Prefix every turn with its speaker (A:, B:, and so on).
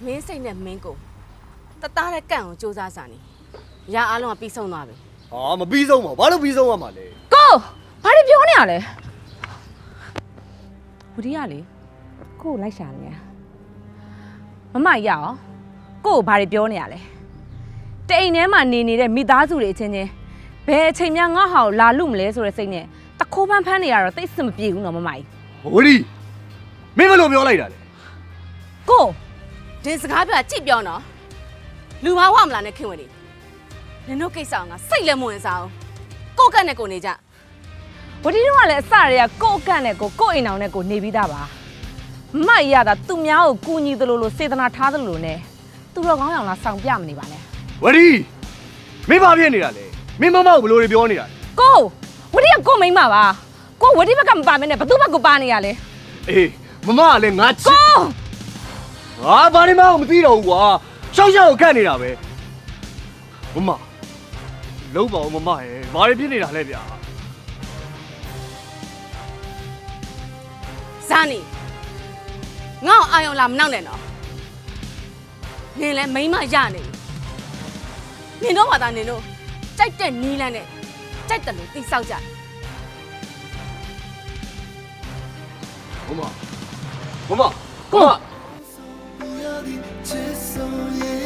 A: မင်းစိတ်နဲ့မင်းကိုတသားတဲ့ကန့်ကိုစူးစမ်းစာနေရအားလုံးကပြီးဆုံးသွားပြီ
B: ဟာမပြီးဆုံးပါဘာလို့ပြီးဆုံးရမှာလဲ
C: ကိုဘာတွေပြောနေရလဲဝဒီရလေကိုလိုက်ရှာနေရမမရအောင်ကိုဘာတွေပြောနေရလဲတိမ်ထဲမှာနေနေတဲ့မိသားစုတွေအချင်းချင်းဘယ်အချိန်မှငါ့ဟာကိုလာလို့မလဲဆိုတဲ့စိတ်နဲ့တခိုးဖန်းဖန်းနေရတော့တိတ်စမပြေဘူးနော်မမကြီး
B: ဝရီမင်းဘယ်လိုပြောလိုက်တာလဲ
C: ကို
A: ဒီစကားပြောကြည့်ပြောနော်လူမဝမလားနဲ့ခင်ဝင်နေနင်တို့ကိစ္စအောင်ငါစိတ်လည်းမဝင်စားအောင်ကိုကန့်နဲ့ကိုနေကြ
C: ဝဒီတို့ကလည်းအစတွေကကိုအကန့်နဲ့ကိုအိမ်အောင်နဲ့ကိုနေပြီးသားပါမမကြီးရတာသူများကိုကူညီသလိုလိုစေတနာထားသလိုလိုနဲ့သူတော်ကောင်းအောင်လားဆောင်ပြမနေပါနဲ့
B: ဝရီမင်းဘာဖြစ်နေတာလဲမင်းမမကိုဘယ်လိုတွေပြောနေတာလဲ
C: ကိုဝဒီကကိုမိမ့်ပါပါကိုဝဒီဘက်ကမပါမနဲ့ဘသူဘက်ကပါနေရလဲ
B: အေးမမကလည်းငါချစ်
C: ကို
B: ငါဘာနေမှမသိတော့ဘူးကွာရှောက်ရှောက်ကိုခတ်နေတာပဲမမလုံးပါဦးမမရဲ့ဘာတွေဖြစ်နေတာလဲဗျာ
A: ဇာနီငါ့ကိုအာယုံလာမနောက်နဲ့နော်နင်လည်းမိန်းမရနေပြီနင်တို့ဘာသာနင်တို့ကြိုက်တဲ့နီးလန်းနဲ့ကြိုက်တယ်လို့တိဆောက်ကြ
B: မမမမမမ